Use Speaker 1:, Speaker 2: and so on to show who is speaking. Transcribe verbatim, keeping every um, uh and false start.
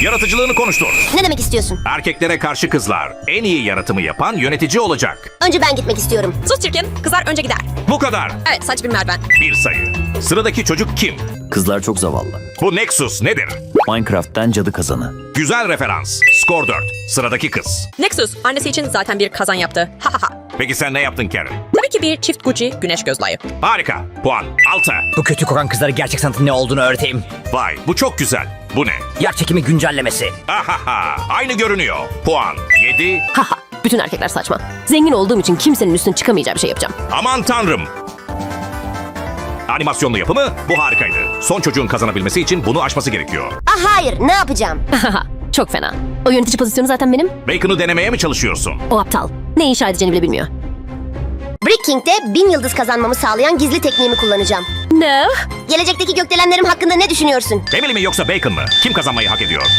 Speaker 1: Yaratıcılığını konuştur.
Speaker 2: Ne demek istiyorsun?
Speaker 1: Erkeklere karşı kızlar. En iyi yaratımı yapan yönetici olacak.
Speaker 2: Önce ben gitmek istiyorum.
Speaker 3: Sus çirkin. Kızlar önce gider.
Speaker 1: Bu kadar.
Speaker 3: Evet, saç bir merdiven.
Speaker 1: Bir sayı. Sıradaki çocuk kim?
Speaker 4: Kızlar çok zavallı.
Speaker 1: Bu Nexus nedir?
Speaker 4: Minecraft'ten cadı kazanı.
Speaker 1: Güzel referans. Skor dört. Sıradaki kız.
Speaker 3: Nexus, annesi için zaten bir kazan yaptı. Ha ha ha.
Speaker 1: Peki sen ne yaptın Karen?
Speaker 3: Tabii ki bir çift Gucci güneş gözlüğü.
Speaker 1: Harika. Puan altı.
Speaker 5: Bu kötü kokan kızlara gerçek sanatın ne olduğunu öğreteyim.
Speaker 1: Vay bu çok güzel. Bu ne?
Speaker 5: Yer çekimi güncellemesi.
Speaker 1: Ahaha. Aynı görünüyor. Puan yedi.
Speaker 6: Haha, bütün erkekler saçma. Zengin olduğum için kimsenin üstüne çıkamayacağı bir şey yapacağım.
Speaker 1: Aman tanrım. Animasyonlu yapımı bu harikaydı. Son çocuğun kazanabilmesi için bunu aşması gerekiyor.
Speaker 2: Ah hayır, ne yapacağım?
Speaker 6: Haha, çok fena. O yönetici pozisyonu zaten benim.
Speaker 1: Bacon'u denemeye mi çalışıyorsun?
Speaker 6: O aptal. Ne inşa edeceğini bile bilmiyor.
Speaker 2: Brick King'de bin yıldız kazanmamı sağlayan gizli tekniğimi kullanacağım.
Speaker 6: Ne?
Speaker 2: Gelecekteki gökdelenlerim hakkında ne düşünüyorsun?
Speaker 1: Emily mi yoksa Bacon mı? Kim kazanmayı hak ediyor?